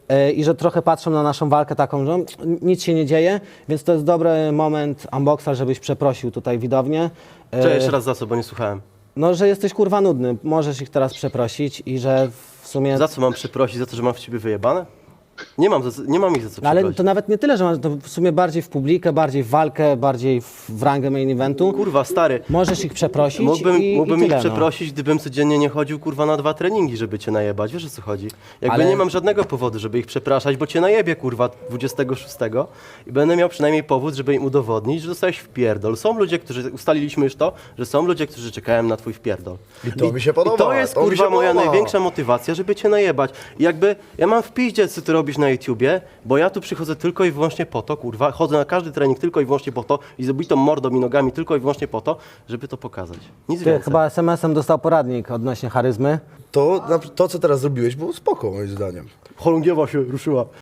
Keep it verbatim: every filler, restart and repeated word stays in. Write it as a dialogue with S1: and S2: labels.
S1: e, i że trochę patrzą na naszą walkę taką, że nic się nie dzieje, więc to jest dobry moment, Unboxer, żebyś przeprosił tutaj widownię. E,
S2: Cześć, jeszcze raz za co, bo nie słuchałem.
S1: No, że jesteś kurwa nudny, możesz ich teraz przeprosić i że w sumie...
S2: Za co mam przeprosić? Za to, że mam w ciebie wyjebane? Nie mam, za, nie mam ich za co
S1: No, ale
S2: przeprosić.
S1: to nawet nie tyle, że masz to w sumie bardziej w publikę, bardziej w walkę, bardziej w, w rangę main eventu.
S2: Kurwa, stary.
S1: Możesz ich przeprosić
S2: Mógłbym,
S1: i,
S2: mógłbym
S1: i
S2: ich
S1: tyle,
S2: przeprosić, gdybym codziennie nie chodził kurwa na dwa treningi, żeby cię najebać. Wiesz o co chodzi? Jakby
S1: Ale-
S2: nie mam żadnego powodu, żeby ich przepraszać, bo cię najebie kurwa dwudziestego szóstego i będę miał przynajmniej powód, żeby im udowodnić, że dostałeś wpierdol. Są ludzie, którzy, ustaliliśmy już to, że są ludzie, którzy czekają na twój wpierdol.
S3: I to mi się podoba.
S2: I to jest
S3: to mi
S2: kurwa
S3: się
S2: moja
S3: podoba.
S2: największa motywacja, żeby cię najebać. I jakby ja mam w piździe, co ty robisz na YouTubie, bo ja tu przychodzę tylko i wyłącznie po to, kurwa, chodzę na każdy trening tylko i wyłącznie po to i z obitą mordą i nogami tylko i wyłącznie po to, żeby to pokazać. Nic
S1: Ty
S2: więcej.
S1: chyba es em esem dostał poradnik odnośnie charyzmy.
S3: To, na- to, co teraz zrobiłeś, było spoko moim zdaniem.
S2: Chorągiewa się ruszyła.